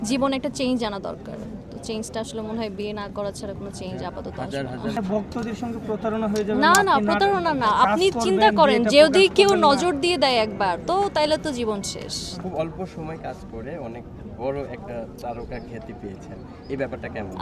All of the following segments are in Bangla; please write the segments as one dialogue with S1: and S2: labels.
S1: জীবনে একটা চেঞ্জ আনা দরকার। তো চেঞ্জটা আসলে মনে হয় বিয়ে না করা ছাড়া কোনো চেঞ্জ আপাতত আসবে না।
S2: ভক্তদের সঙ্গে প্রতারণা হয়ে যাবে
S1: না
S2: না,
S1: না
S2: আপনি
S1: প্রতারণা না,
S2: কাজ
S1: আপনি
S2: করবেন,
S1: চিন্তা করেন
S2: বিয়েটা
S1: যদি
S2: প্রকাশ
S1: কেউ
S2: করবেন না।
S1: নজর দিয়ে দেয় একবার তো তাইলে তো জীবন শেষ।
S3: খুব অল্প সময় কাজ করে অনেক বড় একটা তারকা খ্যাতি পেয়েছেন, এই ব্যাপারটা কেমন?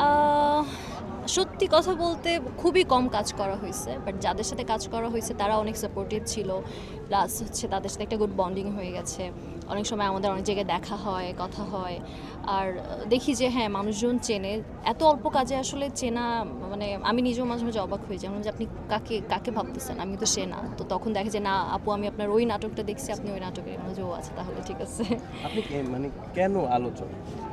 S1: সত্যি কথা বলতে খুবই কম কাজ করা হয়েছে, বাট যাদের সাথে কাজ করা হয়েছে তারা অনেক সাপোর্টিভ ছিল, প্লাস হচ্ছে তাদের সাথে একটা গুড বন্ডিং হয়ে গেছে। অনেক সময় আমাদের অনেক জায়গায় দেখা হয়, কথা হয়, আর দেখি যে হ্যাঁ মানুষজন চেনে। এত অল্প কাজে আসলে চেনা, মানে আমি নিজেও মাঝে মাঝে অবাক হয়ে যাই যে আপনি কাকে কাকে ভাবতেছেন, আমি তো সে না। তো তখন দেখে যে না আপু আমি আপনার ওই নাটকটা দেখছি, আপনি ওই নাটকের মধ্যে ও আছে, তাহলে ঠিক আছে।
S3: আপনি মানে কেন আলোচনা?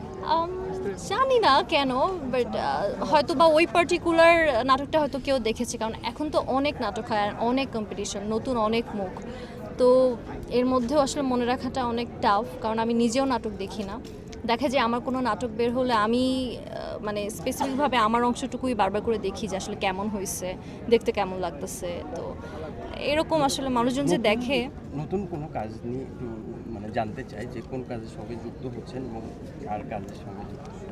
S1: জানি না কেন, বাট হয়তো বা ওই পার্টিকুলার নাটকটা হয়তো কেউ দেখেছে, কারণ এখন তো অনেক নাটক হয় আর অনেক কম্পিটিশন, নতুন অনেক মুখ। তো এর মধ্যেও আসলে মনে রাখাটা অনেক টাফ, কারণ আমি নিজেও নাটক দেখি না। দেখা যায় আমার কোনো নাটক বের হলে আমি মানে স্পেসিফিকভাবে আমার অংশটুকুই বারবার করে দেখি যে আসলে কেমন হয়েছে, দেখতে কেমন লাগতেছে। তো এরকম আসলে মানুষজন যে দেখে।
S3: নতুন কোনো কাজ নিয়ে একটু মানে জানতে চাই যে কোন কাজের সঙ্গে যুক্ত হচ্ছেন এবং কার কাজের সঙ্গে যুক্ত হচ্ছেন?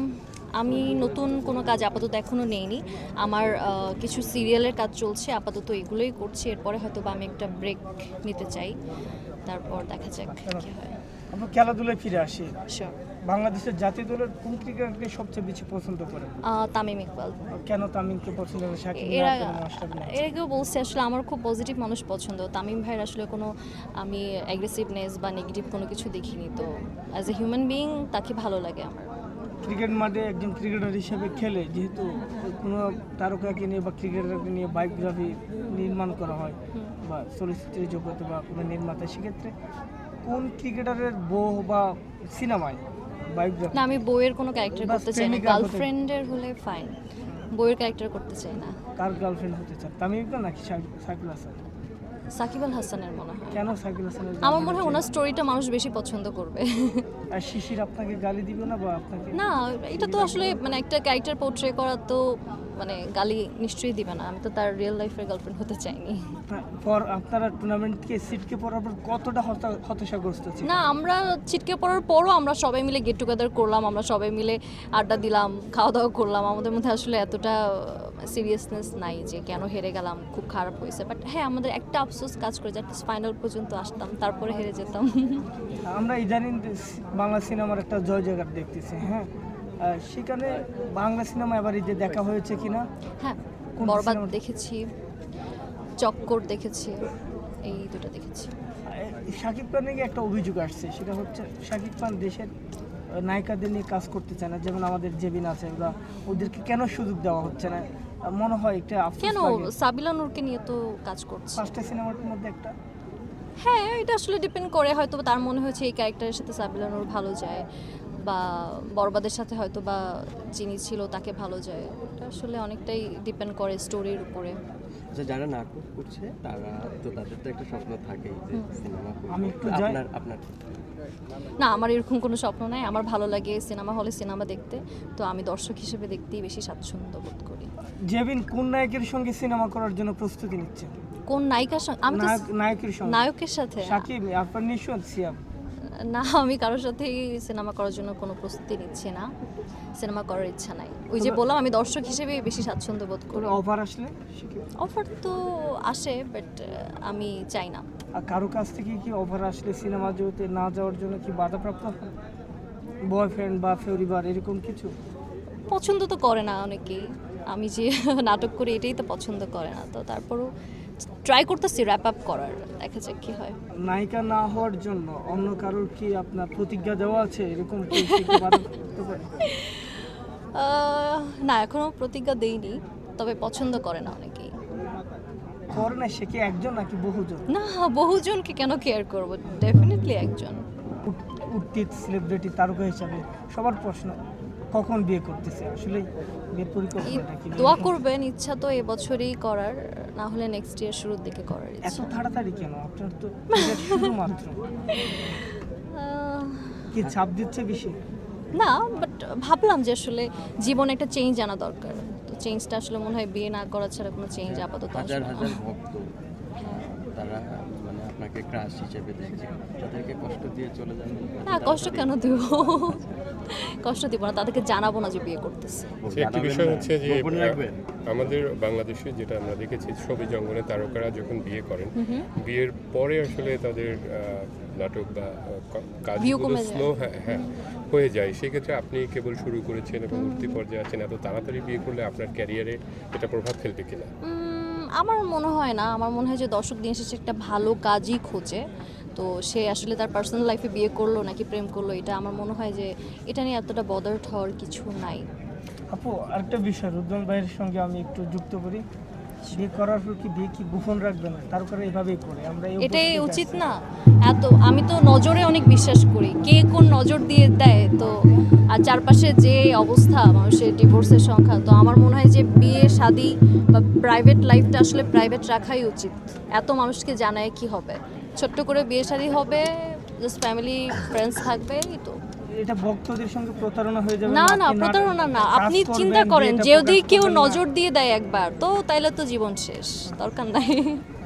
S1: আমি নতুন কোনো কাজ আপাতত এখনও নেইনি। আমার কিছু সিরিয়ালের কাজ চলছে, আপাতত এগুলোই করছি। এরপরে হয়তো বা আমি একটা ব্রেক নিতে চাই, তারপর দেখা যাক কী হয়।
S2: আমরা খেলাধুলায় ফিরে আসি।
S1: Sure.
S2: বাংলাদেশের জাতীয় দলের কোন ক্রিকেটারকে সবচেয়ে বেশি পছন্দ করেন?
S1: তামিম ইকবাল।
S2: কেন তামিমকে পছন্দ করেন? শাকিব
S1: এর
S2: না,
S1: আগে
S2: কোনো মাশরাফি না?
S1: এর আগেও বলছি আসলে আমার খুব পজিটিভ মানুষ পছন্দ। তামিম ভাইয়ের আসলে কোনো আমি অ্যাগ্রেসিভনেস বা নেগেটিভ কোনো কিছু দেখিনি। তো অ্যাজ এ হিউম্যান বিইং তাকে ভালো লাগে আমার।
S2: ক্রিকেট মাঠে একজন ক্রিকেটার হিসেবে খেলে যেহেতু কোনো তারকাকে নিয়ে বা ক্রিকেটারকে নিয়ে বায়োগ্রাফি নির্মাণ করা হয় বা চলচ্চিত্রের জগতে বা কোনো নির্মাতা, সেক্ষেত্রে কোন ক্রিকেটারের বউ বা সিনেমায় বায়োগ্রাফি?
S1: না আমি বইয়ের কোনো ক্যারেক্টার
S2: বাস
S1: করতে চাই না,
S2: প্রেমিকা হতে-
S1: গার্লফ্রেন্ডের হলে ফাইন, বইয়ের ক্যারেক্টার করতে চাই না।
S2: কার গার্লফ্রেন্ড হতে চান, তামিম ইকবাল নাকি সাকিব হাসান?
S1: সাকিব আল হাসানের মনে হয়।
S2: কেন সাকিব হাসানের?
S1: আমার মনে হয় ওনার স্টোরিটা মানুষ বেশি পছন্দ করবে।
S2: আর শিশির আপনাকে গালি দিবে না বা আপনাকে?
S1: না এটা তো আসলে মানে একটা ক্যারেক্টার পোর্ট্রে করা, তো মানে গালি নিশ্চয়ই দিবে না। আমি তো তার রিয়েল লাইফের গার্লফ্রেন্ড হতে চাইনি।
S2: পর আপনারা টুর্নামেন্টকে সিটকে পড়ার পর কতটা হতাশাগ্রস্ত ছিল?
S1: না আমরা ছিটকে পড়ার পরও আমরা সবাই মিলে গেট টুগেদার করলাম, আমরা সবাই মিলে আড্ডা দিলাম, খাওয়া দাওয়া করলাম। আমাদের মধ্যে আসলে এতটা সিরিয়াসনেস নাই যে কেন হেরে গেলাম, খুব খারাপ হয়েছে। বাট হ্যাঁ আমাদের একটা আফসোস কাজ করে যে ফাইনাল পর্যন্ত আসতাম, তারপরে হেরে যেতাম।
S2: আমরা ইদানিং বাংলা সিনেমার একটা জয় জয়কার দেখতেছি, হ্যাঁ, সেখানে বাংলা সিনেমা এবার ঈদে দেখা হয়েছে কিনা?
S1: হ্যাঁ
S2: কোন
S1: বরবাদ
S2: সিনেমাটা?
S1: দেখেছি, চক্কর দেখেছি, এই দুটো দেখেছি।
S2: শাকিব খানের একটা অভিযোগ আসছে, সেটা হচ্ছে শাকিব খান দেশের নায়িকাদের নিয়ে কাজ করতে চায় না, যেমন আমাদের জেবিন আছে, ওরা ওদেরকে কেন সুযোগ দেওয়া হচ্ছে না? মনে হয় একটা আফসোস
S1: কেন
S2: লাগে।
S1: সাবিলা নূরকে নিয়ে তো কাজ করছে।
S2: পাঁচটা সিনেমার মধ্যে একটা।
S1: হ্যাঁ এটা আসলে ডিপেন্ড করে, হয়তো তার মনে হয়েছে এই ক্যারেক্টারের সাথে সাবিলা নূর ভালো যায়, বা বরবাদের সাথে হয়তো বা যিনি ছিল তাকে ভালো যায়। এটা আসলে অনেকটাই ডিপেন্ড করে স্টোরির উপরে।
S3: আচ্ছা, যারা নাটক করছে তারা তো তাদের তো একটা স্বপ্ন থাকেই যে সিনেমা করবে।
S2: আমি একটু
S3: আপনার আপনার
S1: না আমার এরকম কোনো স্বপ্ন নাই, আমার ভালো লাগে সিনেমা হলে সিনেমা দেখতে। তো আমি দর্শক হিসেবে দেখতেই বেশি স্বাচ্ছন্দ্য বোধ করি।
S2: জেবিন কোন নায়কের সঙ্গে সিনেমা করার জন্য প্রস্তুতি নিচ্ছে?
S1: কোন নায়িকার সঙ্গে? আমি তো
S2: নায়কের সঙ্গে।
S1: নায়কের সাথে
S2: শাকিব, আপনার নিশ্চয় সিয়াম।
S1: না, আমি কারোর সাথেই সিনেমা করার জন্য কোনো প্রস্তুতি নিচ্ছি না, সিনেমা করার ইচ্ছা নাই। ওই যে বললাম আমি দর্শক হিসেবে বেশি স্বাচ্ছন্দ্য বোধ করি।
S2: অফার আসলে শাকিব?
S1: অফার তো আসে, বাট আমি চাই না।
S2: আর কারো কাছ থেকে কি অফার আসলে সিনেমা জগতে না যাওয়ার জন্য কি বাধাপ্রাপ্ত হয়? বয়ফ্রেন্ড বা পরিবার এরকম কিছু?
S1: পছন্দ তো করে না অনেকেই, আমি যে নাটক করি এটাই তো পছন্দ করে না। তো তারপরও ট্রাই করতেছি র্যাপ আপ করার, দেখা যাক কী হয়।
S2: নায়িকা না হওয়ার জন্য অন্য কারোর কি আপনার প্রতিজ্ঞা দেওয়া আছে? এরকম পরিস্থিতি বাধাপ্রাপ্ত করে?
S1: না এখনও প্রতিজ্ঞা দেইনি, তবে পছন্দ করে না অনেকেই।
S2: করে না, সে কি একজন নাকি বহুজন?
S1: না বহুজনকে কেন কেয়ার করবো, ডেফিনেটলি একজন।
S2: উঠতি সেলিব্রিটি তারকা হিসাবে সবার প্রশ্ন, কখন বিয়ে করতেছে? আসলে বিয়ের পরিকল্পনাটা কি?
S1: দোয়া করবেন, ইচ্ছা তো এবছরই করার, না হলে নেক্সট ইয়ার শুরুর দিকে করার
S2: এত
S1: ইচ্ছা।
S2: তাড়াতাড়ি কেন? আপনার তো career শুধুমাত্র
S1: আহ,
S2: কি চাপ দিচ্ছে বেশি?
S1: না বাট ভাবলাম যে আসলে জীবনে একটা চেঞ্জ আনা দরকার। তো চেঞ্জটা আসলে মনে হয় বিয়ে না করা ছাড়া কোনো চেঞ্জ আপাতত আসবে
S3: হাজার
S1: না।
S3: হাজার ভক্ত তারা মানে আপনাকে আপনাকে ক্রাশ হিসেবে দেখছে, তাদেরকে কষ্ট দিয়ে চলে যাবেন?
S1: না, কষ্ট কেন দিব? কষ্ট দিব না, তাদেরকে জানাবো না যে বিয়ে করতেছে।
S4: আচ্ছা, একটি বিষয় হচ্ছে যে
S3: গোপন রাখবেন?
S4: আমাদের বাংলাদেশে যেটা আমরা দেখেছি, ছবি জঙ্গলে তারকারা যখন বিয়ে করেন, বিয়ের পরে আসলে তাদের নাটক বা
S1: View
S4: কাজগুলো
S1: কমে যায়।
S4: স্লো হ্যাঁ হয়ে যায়। সেক্ষেত্রে আপনি কেবল শুরু করেছেন এবং উঠতি পর্যায়ে আছেন, এত তাড়াতাড়ি বিয়ে করলে আপনার ক্যারিয়ারে এটা প্রভাব ফেলবে কিনা?
S1: আমার মনে হয় না। আমার মনে হয় যে দর্শক দিন শেষে একটা ভালো কাজই খোঁজে। তো সে আসলে তার পার্সোনাল লাইফে বিয়ে করলো নাকি প্রেম করলো, এটা আমার মনে হয় যে এটা নিয়ে এতটা বদার্ড হওয়ার কিছু নাই।
S2: আপু আরেকটা বিষয় রুদ্রন ভাইয়ের সঙ্গে আমি একটু যুক্ত করি, বিয়ে করার পর কি বিয়ে কি গোপন রাখবে না? তারপরে এভাবেই করে আমরা এই
S1: এটাই
S2: উপস্থিত
S1: উচিত
S2: আছি।
S1: না। আমি তো নজরে অনেক বিশ্বাস করি, কে কোন নজর দিয়ে দেয় তো। আর চারপাশে যে অবস্থা মানুষের ডিভোর্সের সংখ্যা, তো আমার মনে হয় যে বিয়ে শাদী বা প্রাইভেট লাইফটা আসলে প্রাইভেট রাখাই উচিত। এত মানুষকে জানায় কি হবে? ছোট্ট করে বিয়ে শাদী হবে, জাস্ট ফ্যামিলি ফ্রেন্ডস থাকবে, এই তো।
S2: এটা ভক্তদের সঙ্গে প্রতারণা হয়ে যাবে?
S1: না
S2: আপনি
S1: প্রতারণা না,
S2: কাজ
S1: আপনি
S2: করবেন,
S1: চিন্তা করেন
S2: বিয়েটা
S1: যদি
S2: প্রকাশ
S1: কেউ
S2: করবেন না।
S1: নজর দিয়ে দেয় একবার, তো তাইলে তো জীবন শেষ, দরকার নাই।